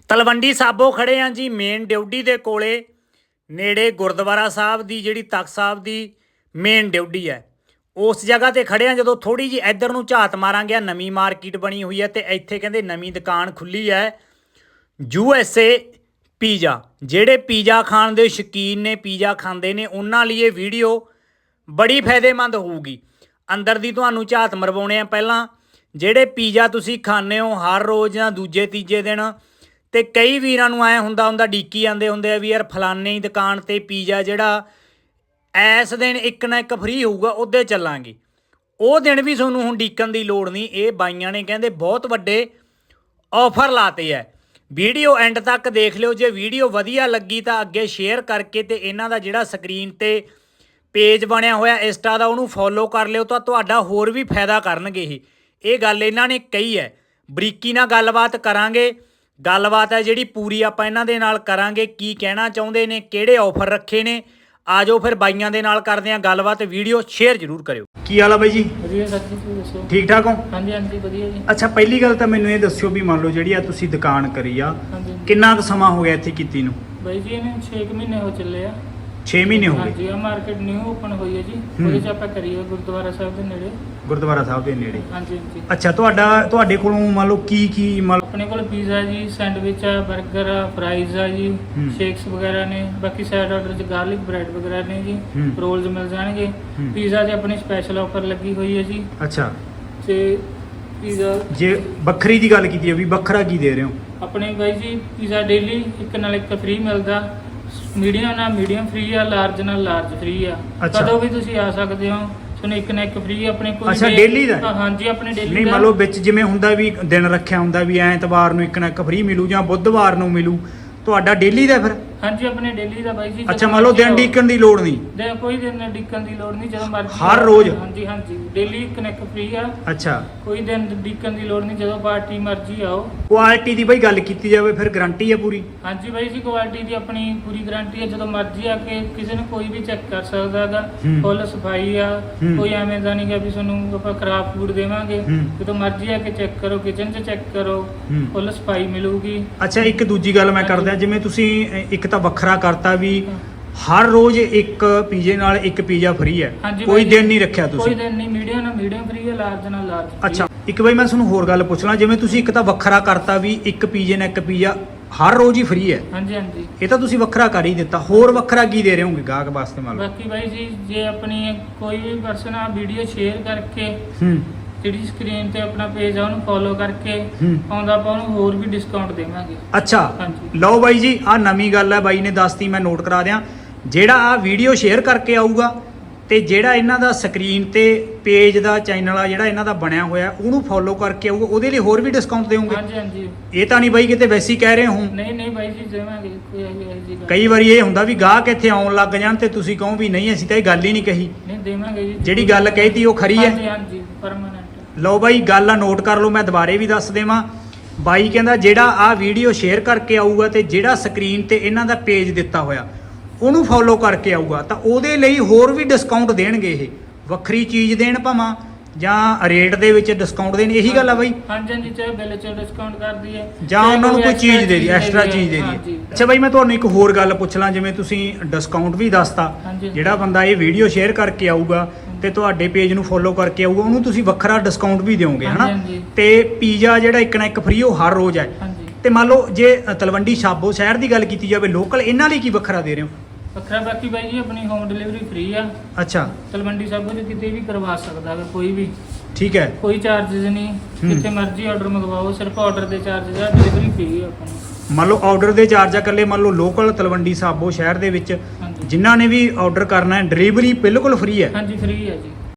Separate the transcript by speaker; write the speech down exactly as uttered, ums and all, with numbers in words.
Speaker 1: ਤਲਵੰਡੀ ਸਾਬੋ ਖੜੇ ਆਂ ਜੀ ਮੇਨ ਡਿਊਟੀ ਦੇ ਕੋਲੇ ਨੇੜੇ ਗੁਰਦੁਆਰਾ ਸਾਹਿਬ ਦੀ ਜਿਹੜੀ ਤਖਤ ਸਾਹਿਬ ਦੀ ਮੇਨ ਡਿਊਟੀ ਹੈ ਉਸ ਜਗ੍ਹਾ ਤੇ ਖੜੇ ਆਂ। ਜਦੋਂ ਥੋੜੀ ਜੀ ਇੱਧਰ ਨੂੰ ਝਾਤ ਮਾਰਾਂਗੇ ਨਵੀਂ ਮਾਰਕੀਟ ਬਣੀ ਹੋਈ ਹੈ ਤੇ ਇੱਥੇ ਕਹਿੰਦੇ ਨਵੀਂ ਦੁਕਾਨ ਖੁੱਲੀ ਹੈ ਯੂ ਐਸ ਏ ਪੀਜ਼ਾ। ਜਿਹੜੇ ਪੀਜ਼ਾ ਖਾਣ ਦੇ ਸ਼ੌਕੀਨ ਨੇ ਪੀਜ਼ਾ ਖਾਂਦੇ ਨੇ ਉਹਨਾਂ ਲਈ ਇਹ ਵੀਡੀਓ ਬੜੀ ਫਾਇਦੇਮੰਦ ਹੋਊਗੀ। ਅੰਦਰ ਦੀ ਤੁਹਾਨੂੰ ਝਾਤ ਮਰਵਾਉਣੇ ਆ। ਪਹਿਲਾਂ ਜਿਹੜੇ ਪੀਜ਼ਾ ਤੁਸੀਂ ਖਾਂਦੇ ਹੋ ਹਰ ਰੋਜ਼ ਜਾਂ ਦੂਜੇ ਤੀਜੇ ਦਿਨ ਤੇ ਕਈ ਵੀਰਾਂ ਨੂੰ ਐ ਹੁੰਦਾ ਹੁੰਦਾ ਡੀਕੀ ਜਾਂਦੇ ਹੁੰਦੇ ਆ ਵੀ ਯਾਰ ਫਲਾਨੇ ਹੀ ਦੁਕਾਨ ਤੇ ਪੀਜ਼ਾ ਜਿਹੜਾ ਐਸ ਦਿਨ ਇੱਕ ਨਾ ਇੱਕ ਫ੍ਰੀ ਹੋਊਗਾ ਉਹਦੇ ਚੱਲਾਂਗੇ। ਉਹ ਦਿਨ ਵੀ ਤੁਹਾਨੂੰ ਹੁਣ ਡੀਕਣ ਦੀ ਲੋੜ ਨਹੀਂ। ਇਹ ਬਾਈਆਂ ਨੇ ਕਹਿੰਦੇ ਬਹੁਤ ਵੱਡੇ ਆਫਰ ਲਾਤੇ ਹੈ। ਵੀਡੀਓ ਐਂਡ ਤੱਕ ਦੇਖ ਲਿਓ। ਜੇ ਵੀਡੀਓ ਵਧੀਆ ਲੱਗੀ ਤਾਂ ਅੱਗੇ ਸ਼ੇਅਰ ਕਰਕੇ ਤੇ ਇਹਨਾਂ ਦਾ ਜਿਹੜਾ ਸਕਰੀਨ ਤੇ ਪੇਜ ਬਣਿਆ ਹੋਇਆ ਇੰਸਟਾ ਦਾ ਉਹਨੂੰ ਫੋਲੋ ਕਰ ਲਿਓ ਤਾਂ ਤੁਹਾਡਾ ਹੋਰ ਵੀ ਫਾਇਦਾ ਕਰਨਗੇ। ਇਹ ਇਹ ਗੱਲ ਇਹਨਾਂ ਨੇ ਕਹੀ ਹੈ। ਬਰੀਕੀ ਨਾਲ ਗੱਲਬਾਤ ਕਰਾਂਗੇ। ਗੱਲਬਾਤ ਹੈ ਜਿਹੜੀ ਪੂਰੀ ਆਪਾਂ ਇਹਨਾਂ ਦੇ ਨਾਲ ਕਰਾਂਗੇ। ਕੀ ਕਹਿਣਾ ਚਾਹੁੰਦੇ ਨੇ, ਕਿਹੜੇ ਆਫਰ ਰੱਖੇ ਨੇ, ਆ ਜਾਓ ਫਿਰ ਬਾਈਆਂ ਦੇ ਨਾਲ ਕਰਦੇ ਆਂ ਗੱਲਬਾਤ। ਵੀਡੀਓ ਸ਼ੇਅਰ ਜ਼ਰੂਰ ਕਰਿਓ। ਕੀ ਹਾਲ ਆ ਬਾਈ ਜੀ?
Speaker 2: ਵਧੀਆ ਸਰ ਜੀ, ਤੁਸੀਂ ਦੱਸੋ?
Speaker 1: ਠੀਕ ਠਾਕ ਹੋ?
Speaker 2: ਹਾਂਜੀ ਹਾਂਜੀ ਵਧੀਆ ਜੀ।
Speaker 1: ਅੱਛਾ ਪਹਿਲੀ ਗੱਲ ਤਾਂ ਮੈਨੂੰ ਇਹ ਦੱਸਿਓ ਵੀ ਮੰਨ ਲਓ ਜਿਹੜੀ ਆ ਤੁਸੀਂ ਦੁਕਾਨ ਕਰੀ ਆ
Speaker 2: ਹਾਂਜੀ
Speaker 1: ਕਿੰਨਾ ਕੁ ਸਮਾਂ ਹੋ ਗਿਆ ਇੱਥੇ ਕੀਤੀ ਨੂੰ?
Speaker 2: ਬਾਈ ਜੀ ਇਹਨੇ ਛੇ ਕੁ ਮਹੀਨੇ ਹੋ ਚੱਲੇ ਆ।
Speaker 1: ਛੇ ਮਹੀਨੇ ਹੋ ਗਏ।
Speaker 2: ਹਾਂਜੀ ਆ ਮਾਰਕੀਟ ਨਿਊ ਓਪਨ ਹੋਈ ਹੈ ਜੀ।
Speaker 1: ਹੂੰ।
Speaker 2: ਉਹਦੇ ਚ ਆਪਾਂ ਕਰੀਏ ਗੁਰਦੁਆਰਾ ਸਾਹਿਬ ਦੇ ਨੇੜੇ।
Speaker 1: ਗੁਰਦੁਆਰਾ ਸਾਹਿਬ ਦੇ ਨੇੜੇ।
Speaker 2: ਹਾਂਜੀ ਹਾਂਜੀ।
Speaker 1: ਅੱਛਾ ਤੁਹਾਡਾ ਤੁਹਾਡੇ ਕੋਲੋਂ ਮੰਨ ਲਓ ਕੀ ਕੀ ਮੰਨ ਲਓ
Speaker 2: ਆਪਣੇ ਕੋਲ ਪੀਜ਼ਾ ਜੀ, ਸੈਂਡਵਿਚ ਆ, 버ਗਰ ਆ, ਫਰਾਈਜ਼ ਆ ਜੀ,
Speaker 1: ਹੂੰ।
Speaker 2: ਸ਼ੇਕਸ ਵਗੈਰਾ ਨੇ। ਬਾਕੀ ਸਾਈਡ ਆਰਡਰ ਚ ਗਾਰਲਿਕ ਬ੍ਰੈਡ ਵਗੈਰਾ ਨੇ ਜੀ।
Speaker 1: ਹੂੰ।
Speaker 2: ਰੋਲਸ ਮਿਲ ਜਾਣਗੇ।
Speaker 1: ਹੂੰ।
Speaker 2: ਪੀਜ਼ਾ 'ਚ ਆਪਣੀ ਸਪੈਸ਼ਲ ਆਫਰ ਲੱਗੀ ਹੋਈ ਹੈ ਜੀ।
Speaker 1: ਅੱਛਾ
Speaker 2: ਤੇ ਪੀਜ਼ਾ
Speaker 1: ਜੇ ਵੱਖਰੀ ਦੀ ਗੱਲ ਕੀਤੀ ਹੈ ਵੀ ਵੱਖਰਾ ਕੀ ਦੇ ਰਹੇ ਹੋ?
Speaker 2: ਆਪਣੇ ਬਾਈ ਜੀ ਪੀਜ਼ਾ ਡੇਲੀ ਇੱਕ ਨਾਲ ਇੱਕ ਫ੍ਰੀ ਮਿਲਦਾ। ਮੀਡੀਅਮ ਨਾਲ ਮੀਡੀਅਮ ਫ੍ਰੀ ਆ, ਲਾਰਜ ਨਾਲ ਲਾਰਜ ਫ੍ਰੀ ਆ।
Speaker 1: ਅੱਛਾ।
Speaker 2: ਕਦੋਂ ਵੀ ਤੁਸੀਂ ਆ ਸਕਦੇ ਹੋ। ਤੁਹਾਨੂੰ ਇੱਕ ਨਾ ਇੱਕ ਫ੍ਰੀ ਆਪਣੇ ਕੋਈ
Speaker 1: ਅੱਛਾ,
Speaker 2: day-
Speaker 1: daily ਦਾ?
Speaker 2: ਹਾਂ, ਹਾਂਜੀ ਆਪਣੇ ਡੇਲੀ
Speaker 1: ਨਹੀਂ ਮੰਨ ਲਓ ਵਿੱਚ ਜਿਵੇਂ ਹੁੰਦਾ ਵੀ ਦਿਨ ਰੱਖਿਆ ਹੁੰਦਾ ਵੀ ਐਤਵਾਰ ਨੂੰ ਇੱਕ ਨਾ ਇੱਕ ਫ੍ਰੀ ਮਿਲੂ ਜਾਂ ਬੁੱਧਵਾਰ ਨੂੰ ਮਿਲੂ, ਤੁਹਾਡਾ ਡੇਲੀ ਦਾ ਫਿਰ?
Speaker 2: ਹਾਂਜੀ ਆਪਣੇ ਡੇਲੀ ਦਾ ਬਾਈ ਜੀ।
Speaker 1: ਅੱਛਾ ਮੰਨ ਲਓ ਦਿਨ ਡੀਕਣ ਦੀ ਲੋੜ ਨਹੀਂ?
Speaker 2: ਦੇ ਕੋਈ ਦਿਨ ਡਿੱਕਣ ਦੀ ਲੋੜ ਨਹੀਂ, ਜਦੋਂ ਮਰਜ਼ੀ
Speaker 1: ਹਰ
Speaker 2: ਆਓ।
Speaker 1: ਰੋਜ਼?
Speaker 2: ਹਾਂਜੀ ਹਾਂਜੀ ਡੇਲੀ ਇੱਕ ਨਾ ਇੱਕ ਫ੍ਰੀ ਆ।
Speaker 1: ਅੱਛਾ
Speaker 2: ਕੋਈ ਦਿਨ ਡਿੱਕਣ ਦੀ ਲੋੜ ਨਹੀਂ, ਜਦੋਂ ਪਾਰਟੀ ਮਰਜ਼ੀ ਆਓ।
Speaker 1: ਕੁਆਲਿਟੀ ਦੀ ਬਈ ਗੱਲ ਕੀਤੀ ਜਾਵੇ ਫਿਰ ਗਾਰੰਟੀ ਹੈ ਪੂਰੀ?
Speaker 2: ਹਾਂਜੀ ਬਾਈ ਜੀ ਕੁਆਲਿਟੀ ਦੀ ਆਪਣੀ ਪੂਰੀ ਗਾਰੰਟੀ ਹੈ। ਜਦੋਂ ਮਰਜ਼ੀ ਆ ਕੇ ਕਿਸੇ ਨੂੰ ਕੋਈ ਵੀ ਚੈੱਕ ਕਰ ਸਕਦਾ ਹੈਗਾ।
Speaker 1: ਹੂੰ।
Speaker 2: ਫੁੱਲ ਸਫਾਈ ਆ।
Speaker 1: ਹੂੰ।
Speaker 2: ਕੋਈ ਐਵੇਂ ਦਾ ਨਹੀਂ ਗਾ ਵੀ ਤੁਹਾਨੂੰ ਆਪਾਂ ਖਰਾਬ ਫੂਡ ਦੇਵਾਂਗੇ।
Speaker 1: ਹੂੰ।
Speaker 2: ਜਦੋਂ ਮਰਜ਼ੀ ਆ ਕੇ ਚੈੱਕ ਕਰੋ, ਕਿਚਨ 'ਚ ਚੈੱਕ ਕਰੋ,
Speaker 1: ਹੂੰ।
Speaker 2: ਫੁੱਲ ਸਫਾਈ ਮਿਲੂਗੀ।
Speaker 1: ਅੱਛਾ ਇੱਕ ਦੂਜੀ ਗੱਲ ਮੈਂ ਕਰਦਾ, ਜਿਵੇਂ ਤੁਸੀਂ ਇੱਕ ਤਾਂ ਵੱਖਰਾ ਕਰਤਾ ਵੀ ਹਰ ਰੋਜ਼ ਇੱਕ ਪੀਜ਼ੇ ਨਾਲ ਇੱਕ ਪੀਜ਼ਾ ਫ੍ਰੀ ਹੈ,
Speaker 2: ਹਾਂਜੀ
Speaker 1: ਕੋਈ
Speaker 2: ਬਾਈ ਜੀ,
Speaker 1: ਦਿਨ ਨਹੀਂ ਰੱਖਿਆ
Speaker 2: ਕੋਈ
Speaker 1: ਤੁਸੀਂ?
Speaker 2: ਦਿਨ ਨਹੀਂ। ਮੀਡੀਅਮ ਨਾਲ ਮੀਡੀਅਮ ਫ੍ਰੀ ਹੈ, ਲਾਰਜ ਨਾਲ ਲਾਰਜ free
Speaker 1: ਅੱਛਾ
Speaker 2: ਹੈ।
Speaker 1: ਇੱਕ ਬਈ ਮੈਂ ਤੁਹਾਨੂੰ ਹੋਰ ਗੱਲ ਪੁੱਛ ਲਾਂ, ਜਿਵੇਂ ਤੁਸੀਂ ਇੱਕ ਤਾਂ ਵੱਖਰਾ ਕਰਤਾ ਵੀ ਇੱਕ ਪੀਜ਼ੇ ਨਾਲ ਇੱਕ ਪੀਜ਼ਾ ਹਰ ਰੋਜ਼ ਹੀ ਫ੍ਰੀ ਹੈ,
Speaker 2: ਹਾਂਜੀ ਹਾਂਜੀ।
Speaker 1: ਇਹ ਤਾਂ ਤੁਸੀਂ ਵੱਖਰਾ ਕਰ ਹੀ ਦਿੱਤਾ। ਹੋਰ ਵੱਖਰਾ ਕੀ ਦੇ ਰਹੇ ਹੋਗੇ ਗਾਹਕ ਵਾਸਤੇ ਮੰਨ ਲਓ?
Speaker 2: ਬਾਕੀ ਬਾਈ ਜੀ ਜੇ ਆਪਣੀ ਕੋਈ ਵੀ ਪਰਸਨ ਆ ਵੀਡੀਓ ਸ਼ੇਅਰ ਕਰਕੇ
Speaker 1: ਹੂੰ
Speaker 2: ਜਿਹੜੀ ਸਕਰੀਨ ਤੇ ਆਪਣਾ ਪੇਜ ਆ ਉਹਨੂੰ ਫੋਲੋ ਕਰਕੇ
Speaker 1: ਹੂੰ।
Speaker 2: ਆਉਂਦਾ ਆਪਾਂ ਉਹਨੂੰ ਹੋਰ ਵੀ ਡਿਸਕਾਊਂਟ ਦੇਵਾਂਗੇ।
Speaker 1: ਅੱਛਾ
Speaker 2: ਹਾਂਜੀ।
Speaker 1: ਲਓ ਬਾਈ ਜੀ ਆਹ ਨਵੀਂ ਗੱਲ ਹੈ ਬਾਈ ਨੇ ਦੱਸਤੀ, ਮੈਂ ਨੋਟ ਕਰਾ ਦਿਆਂ। ਜਿਹੜਾ ਆ ਵੀਡੀਓ ਸ਼ੇਅਰ ਕਰਕੇ ਆਊਗਾ ਤੇ ਜਿਹੜਾ ਇਹਨਾਂ ਦਾ ਸਕਰੀਨ ਤੇ ਪੇਜ ਦਾ ਚੈਨਲ ਆ ਜਿਹੜਾ ਇਹਨਾਂ ਦਾ ਬਣਿਆ ਹੋਇਆ ਉਹਨੂੰ ਫੋਲੋ ਕਰਕੇ ਆਊਗਾ, ਉਹਦੇ ਲਈ ਹੋਰ ਵੀ ਡਿਸਕਾਊਂਟ ਦੇਵੋਗੇ?
Speaker 2: ਹਾਂਜੀ ਹਾਂਜੀ।
Speaker 1: ਇਹ ਤਾਂ ਨਹੀਂ ਬਾਈ ਕਿਤੇ ਵੈਸੇ ਹੀ ਕਹਿ ਰਹੇ ਹੋ?
Speaker 2: ਨਹੀਂ ਨਹੀਂ ਬਾਈ ਜੀ ਦੇਵਾਂਗੇ, ਕੋਈ ਇਹੋ ਜਿਹੀ ਗੱਲ
Speaker 1: ਕਈ ਵਾਰੀ ਇਹ ਹੁੰਦਾ ਵੀ ਗਾਹਕ ਇੱਥੇ ਆਉਣ ਲੱਗ ਜਾਣ ਤੇ ਤੁਸੀਂ ਕਹੋ ਵੀ ਨਹੀਂ ਅਸੀਂ ਤਾਂ ਇਹ ਗੱਲ ਹੀ ਨਹੀਂ ਕਹੀ।
Speaker 2: ਨਹੀਂ ਦੇਵਾਂਗੇ ਜੀ।
Speaker 1: ਜਿਹੜੀ ਗੱਲ ਕਹੀਤੀ ਉਹ ਖਰੀ
Speaker 2: ਹਾਂਜੀ
Speaker 1: ਹੈ?
Speaker 2: ਹਾਂਜੀ ਪਰਮਾਨੈਂਟ।
Speaker 1: ਲਓ ਬਾਈ ਗੱਲ ਆ ਨੋਟ ਕਰ ਲਓ, ਮੈਂ ਦੁਬਾਰੇ ਵੀ ਦੱਸ ਦੇਵਾਂ। ਬਾਈ ਕਹਿੰਦਾ ਜਿਹੜਾ ਆ ਵੀਡੀਓ ਸ਼ੇਅਰ ਕਰਕੇ ਆਊਗਾ ਤੇ ਜਿਹੜਾ ਸਕਰੀਨ ਤੇ ਇਹਨਾਂ ਦਾ ਪੇਜ ਦਿੱਤਾ ਹੋਇਆ ਉਹਨੂੰ ਫੋਲੋ ਕਰਕੇ ਆਊਗਾ ਤਾਂ ਉਹਦੇ ਲਈ ਹੋਰ ਵੀ ਡਿਸਕਾਊਂਟ ਦੇਣਗੇ। ਇਹ ਵੱਖਰੀ ਚੀਜ਼ ਦੇਣ ਭਾਵਾਂ ਜਾਂ ਰੇਟ ਦੇ ਵਿੱਚ ਡਿਸਕਾਊਂਟ ਦੇਣ, ਇਹੀ ਗੱਲ ਆ ਬਾਈ?
Speaker 2: ਹਾਂਜੀ ਹਾਂਜੀ ਚਾਹੇ ਬਿੱਲ 'ਚ ਡਿਸਕਾਊਂਟ ਕਰ ਦਈਏ
Speaker 1: ਜਾਂ ਉਹਨਾਂ ਨੂੰ ਕੋਈ
Speaker 2: extra
Speaker 1: ਚੀਜ਼ ਦੇ ਦੀ ਐਕਸਟਰਾ
Speaker 2: ਦਈਏ।
Speaker 1: ਚੀਜ਼ ਦੇ ਦੀ।
Speaker 2: ਹਾਂਜੀ।
Speaker 1: ਅੱਛਾ ਬਾਈ ਮੈਂ ਤੁਹਾਨੂੰ ਇੱਕ ਹੋਰ ਗੱਲ ਪੁੱਛ ਲਾਂ, ਜਿਵੇਂ ਤੁਸੀਂ ਡਿਸਕਾਊਂਟ ਵੀ ਦੱਸਤਾ,
Speaker 2: ਹਾਂਜੀ।
Speaker 1: ਜਿਹੜਾ ਬੰਦਾ ਇਹ ਵੀਡੀਓ ਸ਼ੇਅਰ ਕਰਕੇ ਆਊਗਾ ਤੇ ਤੁਹਾਡੇ ਪੇਜ ਨੂੰ ਫੋਲੋ ਕਰਕੇ ਆਊਗਾ ਉਹਨੂੰ ਤੁਸੀਂ ਵੱਖਰਾ ਡਿਸਕਾਊਂਟ ਵੀ ਦਿਓਗੇ ਹਨਾ?
Speaker 2: ਹਾਂਜੀ, ਹਾਂਜੀ।
Speaker 1: ਤੇ ਪੀਜ਼ਾ ਜਿਹੜਾ ਇੱਕ ਨਾ ਇੱਕ ਫ੍ਰੀ ਉਹ ਹਰ ਰੋਜ਼ ਹੈ।
Speaker 2: ਹਾਂਜੀ।
Speaker 1: ਤੇ ਮੰਨ ਲਓ ਜੇ ਤਲਵੰਡੀ ਸਾਬੋ ਸ਼ਹਿਰ ਦੀ ਗੱਲ ਕੀਤੀ ਜਾਵੇ ਲੋਕਲ, ਇਹਨਾਂ ਲਈ ਕੀ ਵੱਖਰਾ ਦੇ ਰਹੇ ਹੋ?
Speaker 2: ਵੱਖਰਾ ਬਾਕੀ ਬਾਈ ਜੀ ਆਪਣੀ ਹੋਮ ਡਿਲੀਵਰੀ ਫ੍ਰੀ ਆ।
Speaker 1: ਅੱਛਾ
Speaker 2: ਤਲਵੰਡੀ ਸਾਬੋ 'ਚ ਕਿਤੇ ਵੀ ਕਰਵਾ ਸਕਦਾ ਹੈ ਕੋਈ ਵੀ,
Speaker 1: ਠੀਕ ਹੈ।
Speaker 2: ਕੋਈ ਚਾਰजेस ਨਹੀਂ।
Speaker 1: ਹੂੰ।
Speaker 2: ਜਿੱਥੇ ਮਰਜ਼ੀ ਆਰਡਰ ਮੰਗਵਾਓ, ਸਿਰਫ ਆਰਡਰ ਦੇ ਚਾਰजेस ਆ, ਡਿਲੀਵਰੀ ਫ੍ਰੀ ਆ ਆਪਣੀ।
Speaker 1: ਮੰਨ ਲਓ ਆਰਡਰ ਦੇ ਚਾਰਜ ਆ ਇਕੱਲੇ ਮੰਨ ਲਓ ਲੋਕਲ ਤਲਵੰਡੀ ਸਾਬੋ ਸ਼ਹਿਰ ਦੇ ਵਿੱਚ
Speaker 2: ਹਾਂਜੀ
Speaker 1: ਜਿਨ੍ਹਾਂ ਨੇ ਵੀ ਆਰਡਰ ਕਰਨਾ ਹੈ ਡਿਲੀਵਰੀ ਬਿਲਕੁਲ ਫ੍ਰੀ ਹੈ?
Speaker 2: ਹਾਂਜੀ ਫ੍ਰੀ ਆ ਜੀ।